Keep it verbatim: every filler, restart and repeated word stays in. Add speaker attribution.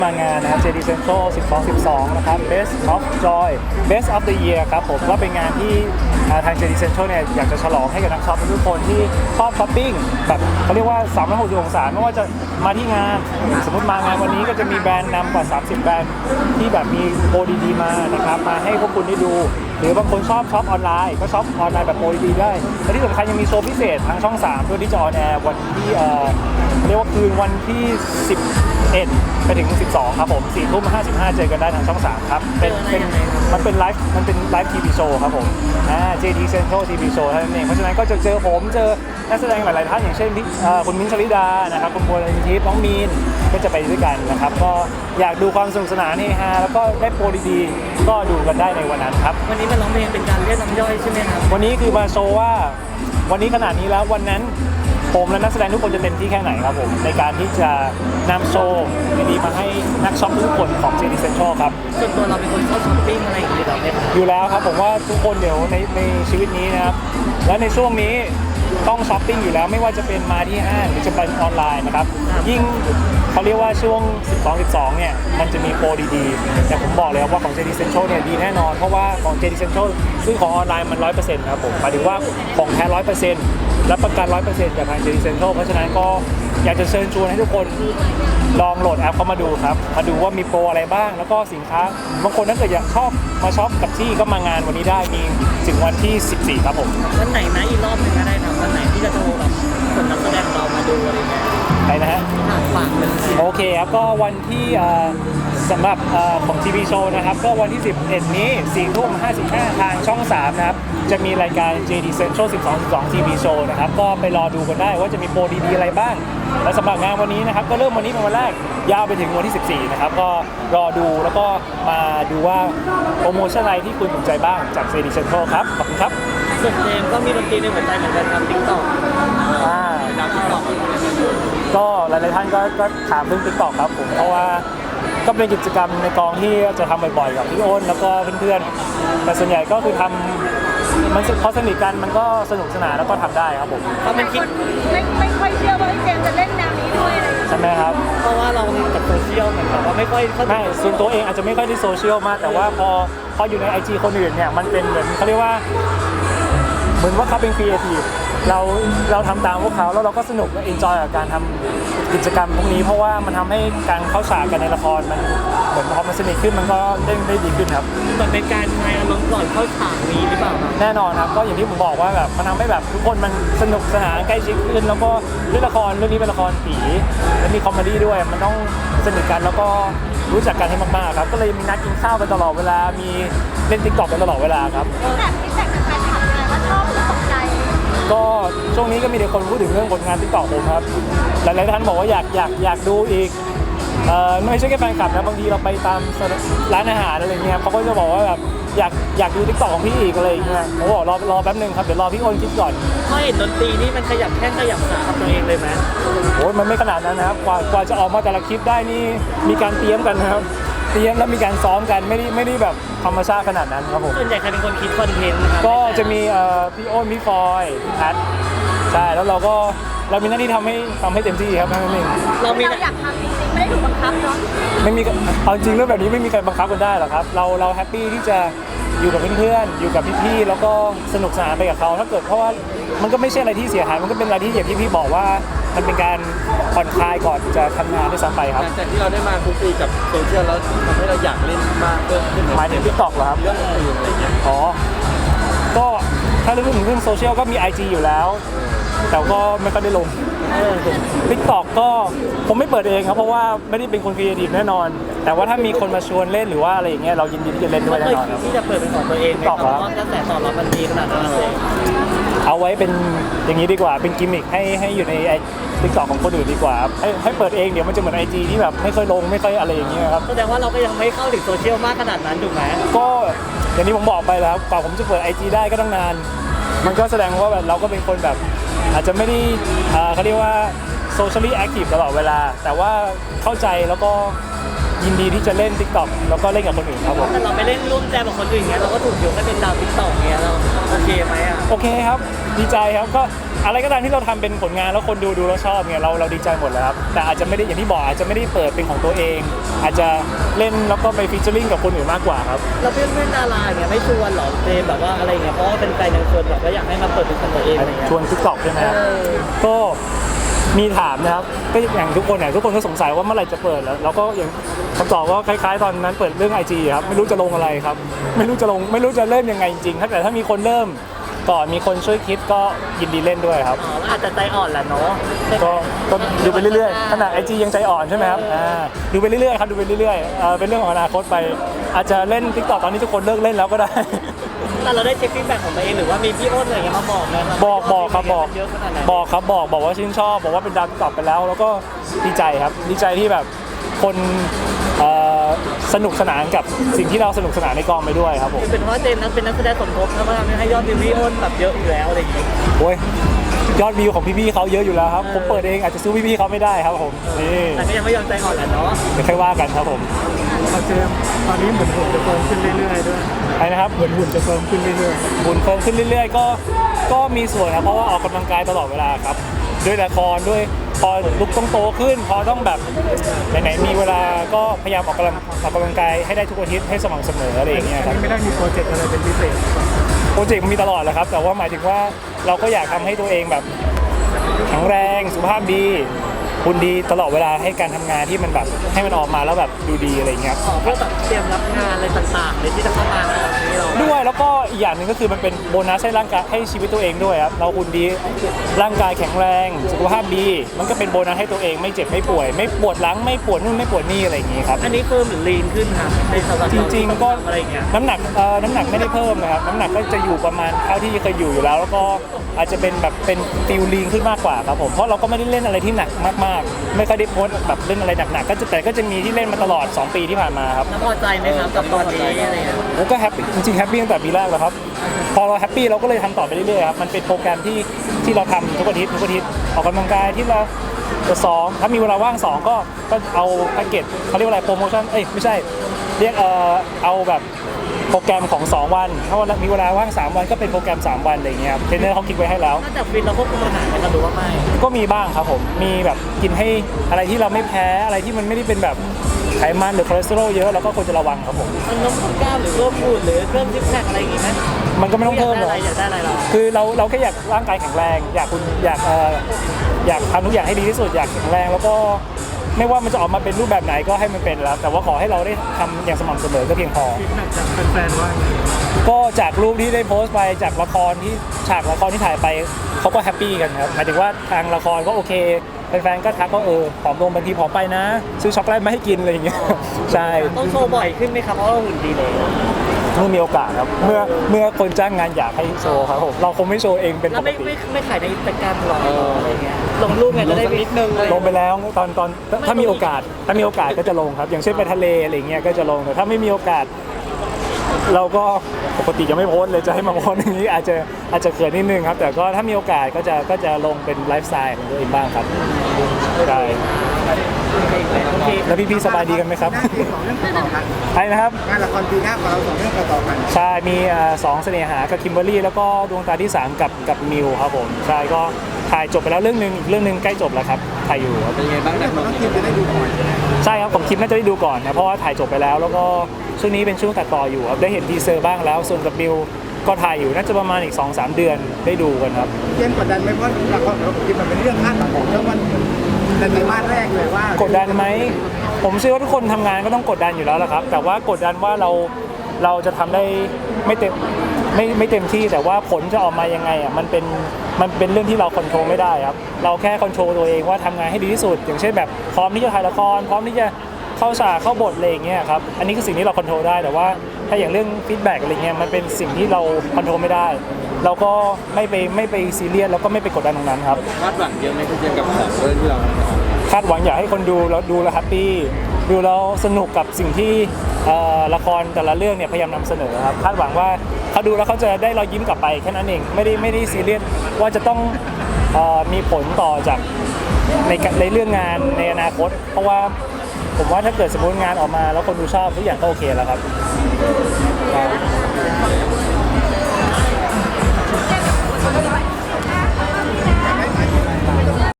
Speaker 1: มางานนะครับ เจ ดี Central สิบสอง สิบสอง นะครับ Best of Joy Best of the Year ครับผมก็เป็นงานที่ทาง เจ ดี Central เนี่ยอยากจะฉลองให้กับนักช็อปทุกคนที่ชอบช้อปปิ้งแบบเขาเรียกว่าสามร้อยหกสิบองศาไม่ว่าจะมาที่งานสมมติมางานวันนี้ก็จะมีแบรนด์นำกว่าสามสิบแบรนด์ที่แบบมีโปรดีๆมานะครับมาให้พวกคุณได้ดูหรือบางคนชอบช็อปออนไลน์ก็ช็อปออนไลน์แบบโปรดีๆได้และที่สำคัญยังมีโชว์พิเศษทางช่องสามด้วยที่จะออนแอร์วันที่เอ่อเรียกว่าคืนวันที่สิบเอ็ดไปถึงสิบสองครับผมสี่ทุ่มห้าสิบห้าเจอกันได้ทางช่องสามครับเป็นเป็นมันเป็นไลฟ์มันเป็นไลฟ์ทีวีโชว์ครับผมอ่า เจ ดี Central ที วี Show เท่านั้นเองเพราะฉะนั้นก็จะเจอผมเจอนักแสดงหลายๆท่านอย่างเช่นคุณมิ้นท์ ชลิดานะครับคุณบัวลนิธิน้องมีนก็จะไปด้วยกันนะครับก็อยากดูความสนุกสนานเฮฮาแล้วก็ได้โปรดีๆก็ดูกันได้ในวันนั้นครับ
Speaker 2: วันนี้มันร้องเพลงเป็นการเรียกน้ำย่อยใช่ไหมครับ
Speaker 1: วันนี้คือมาโชว์ว่าวันนี้ขนาดนี้แล้ววันนั้นผมและนักแสดงทุกคนจะเต็มที่แค่ไหนครับผมในการที่จะนำโชว์ดีๆมาให้นักช็อปทุกคนของ เจ ดี Central ครับ
Speaker 2: ส่วนตัวเราเป็นคนชอบช้อปปิ้งอะไรอย่างเงี้ยหรอเนี่ย
Speaker 1: อยู่แล้วครับผมว่าทุกคนเดี๋ยวในในชีวิตนี้นะครับและในช่วงนี้ต้องช้อปปิ้งอยู่แล้วไม่ว่าจะเป็นมาที่ห้างหรือจะเป็นออนไลน์นะครับยิ่งเขาเรียกว่าช่วงสิบสอง สิบสองเนี่ยมันจะมีโปรดีๆแต่ผมบอกเลยว่าของ เจ ดี Central เนี่ยดีแน่นอนเพราะว่าของ เจ ดี Central ซึ่งของออนไลน์มัน ร้อยเปอร์เซ็นต์ ครับผมหมายถึงว่าของแท้ ร้อยเปอร์เซ็นต์ รับประกัน ร้อยเปอร์เซ็นต์ จากทาง เจ ดี Central เพราะฉะนั้นก็อยากจะเชิญชวนให้ทุกคนลองโหลดแอปเข้ามาดูครับมาดูว่ามีโปรอะไรบ้างแล้วก็สินค้าบางคนถ้าเกิดอยากชอบมาช็อปกับที่ก็มางานวันนี้ได้มีถึงวันที่สิบสี่ครับผม
Speaker 2: วันไหนนะอีกรอบนึงก็ได้ครับวันไหนที่จะโทรแบบคนนักแสดงเรามาดูอะไรเงี้ย
Speaker 1: ใช่นะฮะ
Speaker 2: ฝากเลย
Speaker 1: โอเคครับก็วันที่สำหรับของทีวีโชว์นะครับก็วันที่สิบเอ็ดนี้สี่ทุ่มห้าสิบห้าทางช่องสามนะครับจะมีรายการ เจ ดี Central สิบสอง สิบสอง ที วี Show นะครับก็ไปรอดูกันได้ว่าจะมีโปรดีๆอะไรบ้างและสำหรับงานวันนี้นะครับก็เริ่มวันนี้เป็นวันแรกยาวไปถึงวันที่สิบสี่นะครับก็รอดูแล้วก็มาดูว่าโปรโมชั่นอะไรที่คุณสนใจบ้างจาก เจ ดี Central ครับขอบคุณครับ
Speaker 2: ส่วนเจมก็มีดนตรีในหัวใจเหมือนกันครับ TikTok
Speaker 1: อ่า
Speaker 2: TikTok
Speaker 1: ก็หลายๆท่านก็ก็ถามเรื่อง TikTok ครับผมเพราะว่าก็เป็นกิจกรรมในกองที่จะทำบ่อยๆกับพี่อ้นแล้วก็เพื่อนๆแต่ส่วนใหญ่ก็คือทำมันพอสนิทกันมันก็สนุกสนานแล้วก็ทำได้ครับผม
Speaker 2: เขาเป็นคลิป
Speaker 3: ไม่ไม่ค่อยเชื่อว่าไอ้เจมจะเล่นแนวนี้ด้วย
Speaker 1: ใช่ไหมครับ
Speaker 2: เพราะว่าเรากับโซเชียลเหมือนกับว่าไม่ค่อย
Speaker 1: ไม่ส่วนตัวเองอาจจะไม่ค่อยได้โซเชียลมากแต่ว่าพอพออยู่ใน ไอ จี คนอื่นเนี่ยมันเป็นเหมือนเขาเรียกว่าเหมือนว่าเขาเป็นครีเอทีฟเราเราทำตามพวกเขาแล้วเราก็สนุกและเอนจอยกับการทำกิจกรรมพวกนี้เพราะว่ามันทำให้การเข้าฉากกันในละครมันเหมือนพอมันสนิทขึ้นมันก็เด้งได้ดีขึ้นครับ
Speaker 2: มันเป็นการคลายอารมณ์ก่อนเข้าฉากนี้หรือเปล่า
Speaker 1: แน่นอนครับก็อย่างที่ผมบอกว่าแบบมันทำให้แบบทุกคนมันสนุกสนานใกล้ชิดขึ้นแล้วก็เรื่องละครเรื่องนี้เป็นละครผีและมีคอมเมดี้ด้วยมันต้องสนิทกันแล้วก็รู้จักกันให้มากๆครับก็เลยมีนัดกินข้าวกันตลอดเวลามีเล่น TikTok กันตลอดเวลาครับ
Speaker 3: แบบที่แต่งกับแฟนคลับไงว่าชอบหรือตกใจ
Speaker 1: ก็ช่วงนี้ก็มีแต่คนพูดถึงเรื่องผลงาน TikTok ผมครับหลายๆท่านบอกว่าอยากอยากอยากดูอีกเอ่อไม่ใช่แค่แฟนคลับนะบางทีเราไปตามร้านอาหารอะไรเงี้ยเขาก็จะบอกว่าแบบอยากอยากดู TikTok ของพี่อีกอะไรอย่างเงี้ยผมบอกรอรอแป๊บนึงครับเดี๋ยวรอพี่โอนคิดก่อน
Speaker 2: พอเห็นดนตรีนี่มันขยับแข้งขยับขากับตัวเองเลยไหม
Speaker 1: โอ้ยมันไม่ขนาดนั้นนะครับกว่ากว่าจะออกมาแต่ละคลิปได้นี่มีการเตรียมกันนะครับเตรียมแล้วมีการซ้อมกันไม่ได้ไม่ได้แบบธรรมชาติขนาดนั้นครับผม
Speaker 2: ส่วนใหญ่ใครเป็นคนคิดคอนเทนต์นะครับ
Speaker 1: ก็จะมีเอ่อพี่โอนพี่ฟอยพี่พัทใช่แล้วเราก็เรามีหน้าที่ทำให้ทำให้เต็มที่ครับนั่นเอง
Speaker 3: เรามีอยากทำจริงๆไม่ได้ถูกบังคับเนาะ
Speaker 1: ไม่มีเอาจริงเรื่องแบบนี้ไม่มีใครบังคับกันได้หรอกครับเราเราแฮปปี้ที่จะอยู่กับเพื่อนๆอยู่กับพี่ๆแล้วก็สนุกสนานไปกับเขาถ้าเกิดเพราะว่ามันก็ไม่ใช่อะไรที่เสียหายมันก็เป็นอะไรที่อย่างที่พี่บอกว่ามันเป็นการผ่อนคลายก่อนจะทำงานด้วยซ้ำไปครับ
Speaker 4: หลังจากที่เราได้มาคุกคีกับโซเชียลแล้วทำให้เราอยากเล่นมากขึ้น
Speaker 1: หมายถึง TikTok เหรอครับ
Speaker 4: เรื่องอื่นอะไรเงี้ย
Speaker 1: อ๋อก็ถ้าเรื่องถึงเรื่องโซเชียลก็มี ไอ จี อยู่แล้วแต่ก็ไม่ค่อยได้ลง TikTok ก็ผมไม่เปิดเองครับเพราะว่าไม่ได้เป็นคนครีเอทีฟแน่นอนแต่ว่าถ้ามีคนมาชวนเล่นหรือว่าอะไรอย่างเงี้ยเรายินดีที่จะเล่นด้วยแน่นอนครับ
Speaker 2: ที่จะเปิดเป็นของตัวเองเพราะว่ากระแสตอบรับมันดีขนาดนั้นเลย
Speaker 1: เอาไว้เป็นอย่างนี้ดีกว่าเป็นกิมมิคให้ให้อยู่ในไอ TikTok ของคนอื่นดีกว่าให้ให้เปิดเองเดี๋ยวมันจะเหมือน ไอ จี ที่แบบไม่เคยลงไม่เคยอะไรอย่างเงี้ยครับ
Speaker 2: แสดงว่าเราก็ยังไม่เข้าถึงโซเชียลมากขนาดนั้นถูกไหม
Speaker 1: ก็อย่างที่ผมบอกไปแล้วกว่าผมจะเปิด ไอ จี ได้ก็ต้องนานมันก็แสดงว่าแบบเราก็เป็นคนแบบอาจจะไม่ได้เขาเรียกว่า socially active ตลอดเวลาแต่ว่าเข้าใจแล้วก็ยินดีที่จะเล่น TikTok แล้วก็เล่นกับคนอื่นครับผม
Speaker 2: แต่เราไปเล่นร่วมแจมกับคนอื่นเงี้ยเราก็ถูกยกให้เป็นดาวติ๊กต็อกเงี้ยเราโอเคไหมอ่ะ
Speaker 1: โอเคครับดีใจครับก็อะไรก็ตามที่เราทำเป็นผลงานแล้วคนดูดูแล้วชอบเนี่ยเราเราดีใจหมดแล้วครับแต่อาจจะไม่ได้อย่างที่บอกอาจจะไม่ได้เปิดเป็นของตัวเอง อาจจะเล่นแล้วก็ไปฟีเจอริ่งกับคนอื่นมากกว่าครับ
Speaker 2: เราเพื่อนเพื่อนดาราเนี่ยไม่ชวนหรอเจมแบบว่าอะไรเงี้ยเพราะว่าเป็นแฟนยังชวนแบบว่าอยากให้มาเปิดเป็นของตัวเองอะไรเงี้ย
Speaker 1: ชวน TikTok ใช่ไหมครับ
Speaker 2: เออ
Speaker 1: ก็มีถามนะครับก็อย่างทุกคนเนี่ยทุกคนก็สงสัยว่าเมื่อไหร่จะเปิดแล้วแล้วก็อย่างคำตอบก็คล้ายๆ ตอนนั้นเปิดเรื่อง ไอ จี ครับไม่รู้จะลงอะไรครับไม่รู้จะลงไม่รู้จะเริ่มยังไงจริงๆถ้าแต่ถ้ามีคนเริ่มก่อนมีคนช่วยคิดก็ยินดีเล่นด้วยครับ
Speaker 2: อ๋อแล้วอาจจะใจอ่อนแหละเนาะ
Speaker 1: ก็ก็ดูไปเรื่อยๆขนาด ไอ จี ยังใจอ่อนใช่ไหมครับอ่าดูไปเรื่อยๆครับดูไปเรื่อยๆเอ่อเป็นเรื่องของอนาคตไป อาจจะเล่น TikTok ตอนนี้ทุกคนเลิกเล่นแล้วก็ได้
Speaker 2: แต่เราได้เช็คฟีดแบ็กของตัวเองหรือว่ามีพี่อ้นอะไรเงี้ยมาบอกไหมครับ
Speaker 1: บอกบอกครับบอก
Speaker 2: เยอะขนาดไหน
Speaker 1: บอกครับบอกบอกว่าชื่นชอบบอกว่าเป็นดาวติ๊กต็อกไปแล้ว แล้วก็ดีใจครับดีใจที่แบบคนเอ่อสนุกสนานกับสิ่งที่เราสนุกสนานในกองไปด้วยครับผม
Speaker 2: คือเป็นเพราะว่าเจมส์นั้นเป็นนักแสดงสมทบนะว่าทำให้ยอดวิวพี่อ้นแบบเยอะอยู่แล้วอะไรอย่างเงี้ย
Speaker 1: โอ้ยยอดวิวของพี่ๆเขาเยอะอยู่แล้วครับผมเปิดเองอาจจะสู้พี่ๆเขาไม่ได้ครับผมนี่
Speaker 2: แต่ก็ยังไม่ยอมใจอ่อนแหละเนาะ
Speaker 1: เดี๋ยวค่อยว่ากันครับผม
Speaker 5: เจมส์ตอนนี้เหมือนหุ่นจะเฟิร์มขึ้นเรื่อยๆด้วย
Speaker 1: ไปนะครับ
Speaker 5: เหมือนหุ่นจะเฟิร์มขึ้นเรื่อย
Speaker 1: บุญเพิ่มขึ้นเรื่อยๆ ก็ก็มีส่วนครับเพราะว่าออกกำลังกายตลอดเวลาครับด้วยละครด้วยพอลุกต้องโตขึ้น พอต้องแบบไหนๆมีเวลาก็พยายามออกกำลังออกกำลังกายให้ได้ทุกอาทิตย์ให้สม่ำเสมออะไรอย่างเงี้ย
Speaker 5: ๆ
Speaker 1: ค
Speaker 5: อั
Speaker 1: รับ
Speaker 5: นนี้ไม่ได้มีโปรเจกต์อะไรเป็นพิเศษ
Speaker 1: โปรเจกต์มันมีตลอดแหละครับแต่ว่าหมายถึงว่าเราก็อยากทำให้ตัวเองแบบแข็งแรงสุขภาพดีคุณดีตลอดเวลาให้การทำงานที่มันแบบให้มันออกมาแล้วแบบดูดีอะไรอย่างเงี้ย
Speaker 2: ขอเพื่อแบบเตรียมรับงานอะไรต่างๆเลยที่จะเข้ามาในวันนี้เรา
Speaker 1: ด้วยแล้วก็อีกอย่างหนึ่งก็คือมันเป็นโบนัสให้ร่างกายให้ชีวิตตัวเองด้วยครับเราคุณดีร่างกายแข็งแรงสุขภาพดีมันก็เป็นโบนัสให้ตัวเองไม่เจ็บไม่ป่วย ไม่ปวดหลังไม่ปวดนู่นไม่ปวดนี่อะไรอย่างงี้ครับ
Speaker 2: อันนี้เพิ่มหรือลีนขึ้นค่ะในสำหรับ
Speaker 1: จริงๆก็
Speaker 2: อะไรอย่างเงี้ย
Speaker 1: น้ำหนักเอ่อน้ำหนักไม่ได้เพิ่มนะครับน้ำหนักก็จะอยู่ประมาณเท่าที่เคยอยู่อยู่แล้ว แล้วก็อาจจะเป็นแบบเป็นฟิลลีนขึ้นมากกว่าครับผมเพราะเราก็ไม่ได้เล่นอะไรที่หนักมากๆไม่ค่อยได้โพสต์แบบเล่นอะไรหนักๆก็จะแต่ก็จะมีที่เล่นมาตลอดสองปีที่ผ่านมาครับ
Speaker 2: แล้วพอใจไหมครับกับตอนนี้อะไรเงี้ย
Speaker 1: แล้วก็แฮปปี้จริงๆแฮปปี้ตั้งแต่ปีแรกแล้วครับพอเราแฮปปี้เราก็เลยทำต่อไปเรื่อยๆครับมันเป็นโปรแกรมที่ที่เราทำทุกอาทิตย์ทุกอาทิตย์ออกกำลังกายที่เราจะซ้อมถ้ามีเวลาว่างสองก็ก็เอาแพ็กเกจเขาเรียกว่าอะไรโปรโมชั่นเอ้ยไม่ใช่เรียกเอ่อเอาแบบโปรแกรมของสองวันถ้าวันมีเวลาว่างสามวันก็เป็นโปรแกรมสามวันอะไรอย่างเงี้ยครับเทรนเนอร์เขาคิดไว้ให้แล้ว
Speaker 2: นอกจากฟิตเราควบคุมอาหารไหมครับหรือว่าไม่
Speaker 1: ก็มีบ้างครับผมมีแบบกินให้อะไรที่เราไม่แพ้อะไรที่มันไม่ได้เป็นแบบไขมันหรือคอเลสเตอรอลเยอะเราก็ควรจะระวังครับผม
Speaker 2: มันน้ำหนักกล้ามหรือเพิ่มหุ่นหรือเพิ่มซิกแพคอะไรอย่างงี้ไหม
Speaker 1: มันก็ไม่ต้องเพิ่มหรอก
Speaker 2: อยากได้อะไรอยากได้อะไรเรา
Speaker 1: คือเราเราแค่อยากร่างกายแข็งแรง อยากคุณอยากเอ่ออยากทำทุกอย่างให้ดีที่สุดอยากแข็งแรงแล้วก็ไม่ว่ามันจะออกมาเป็นรูปแบบไหนก็ให้มันเป็นแล้วแต่ว่าขอให้เราได้ทำอย่างสม่ำเสมอก็เพียงพอ
Speaker 5: ฟีดแบ็กจากแฟนๆว่าไง
Speaker 1: ก็จากรูปที่ได้โพสต์ไปจากละครที่ฉากละครที่ถ่ายไปเขาก็แฮปปี้กันครับหมายถึงว่าทางละครก็โอเคแฟนๆก็ทักว่าเออผอมลงบางทีผอมไปนะ ซื้อช็อกโกแลตมาให้กินอะไรอย่างเงี้ยใช่
Speaker 2: ต้องโชว์บ่อยขึ้นไหมครับเพราะว่าเราหุ่นดีเลย
Speaker 1: เมื่อมีโอกาสครับเมื่อเมื่อคนจ้างงานอยากให้โชว์ครับผมเราคงไม่โชว์เองเป็น
Speaker 2: แล้
Speaker 1: ป
Speaker 2: ว
Speaker 1: ก
Speaker 2: ไม่
Speaker 1: ติ
Speaker 2: ไม่ไม่ขายในอินสตาแกรมหรออะไรเงี้ยลงรูปไงจะได้นิดนึงเลย
Speaker 1: ลงไปแล้วตอนตอนถ้ามีโอกาสถ้ามีโอกาสก็จะลงครับ อย่างเช่นไปทะเลอะไรเงี้ยก็จะลงแต่ถ้าไม่มีโอกาส เราก็ปกติจะไม่โพสต์เลยจะให้มาโพสต์อย่างนี้อาจจะอาจจะเขินนิดนึงครับ แต่ก็ถ้ามีโอกาสก็จะก็จะลงเป็นไลฟ์สไตล์ของตัวเองบ้างครับใช่
Speaker 2: โอเค
Speaker 1: แล้วพี่ๆสบายดีกันไหมครับ
Speaker 5: หน้าที่ของเรื่องต่อกัน
Speaker 1: ใช่นะครับ
Speaker 5: งานละครปีหน้าของเราสองเรื่องต่อกัน
Speaker 1: ใช่มีเอ่อสองเสน่หากับคิมเบอรรี่แล้วก็ดวงตาที่สามกับกับมิวครับผมใช่ก็ถ่ายจบไปแล้วเรื่องหนึงอีกเรื่องหนึงใกล้จบแล้วครับถ่ายอยู่ครับ
Speaker 4: เป็นไงบ้าง
Speaker 5: เรื่
Speaker 4: นะ
Speaker 5: องของน้องคิมจะได้ดูก่อนใช่ไหม
Speaker 1: ใช่ครับผมคิดน่าจะได้ดูก่อนนะเพราะว่าถ่ายจบไปแล้ว แล้วก็ช่วงนี้เป็นช่วงตัดต่ออยู่ครับได้เห็นทีเซอร์บ้างแล้วส่วนกับมิวก็ถ่ายอยู่น่าจะประมาณอีก สองสาม เดือนได้ดูกันครับ
Speaker 5: เจมส์กดดันไหมเพราะละครของเราคิมมันเป็นเรื่องคาดหวังของเรื่องวันในไตรมาสแรกเลยว่าก
Speaker 1: ดดันไหมผมเชื่อว่าทุกคนทำงานก็ต้องกดดันอยู่แล้วละครับ แต่ว่ากดดันว่าเราเราจะทำได้ไม่เต็มไม่ไม่เต็มที่แต่ว่าผลจะออกมายังไงอ่ะมันเป็นมันเป็นเรื่องที่เราควบคุมไม่ได้ครับเราแค่ควบคุมตัวเองว่าทำงานให้ดีที่สุด อย่างเช่นแบบพร้อมที่จะถ่ายละครพร้อมที่จะเข้าฉากเข้าบทอะไรอย่างเงี้ยครับอันนี้คือสิ่งที่เราควบคุมได้แต่ว่าถ้าอย่างเรื่องฟีดแบ็กอะไรเงี้ยมันเป็นสิ่งที่เราควบคุมไม่ได้ เราก็ไม่ไปไม่ไปซีเรียสแล้วก็ไม่ไปกดดันตรงนั้นครับ
Speaker 4: คาดหวังเยอะไหมคุณเจมส์กับสองเรื่องที่เราทำ
Speaker 1: คาดหวังอยากให้คนดูแล้วดูแล้วแฮปปี้ดูแล้วสนุกกับสิ่งที่เอ่อละครแต่ละเรื่องเนี่ยพยายามนำเสนอครับคาดหวังว่าเขาดูแล้วเขาจะได้รอยยิ้มกลับไปแค่นั้นเองไม่ได้ไม่ได้ซีเรียสว่าจะต้องเอ่อมีผลต่อจากในในเรื่องงานในอนาคต เพราะว่าผมว่าถ้าเกิดสมมติงานออกมาแล้วคนดูชอบทุกอย่างก็โอเคแล้วครับ
Speaker 3: เ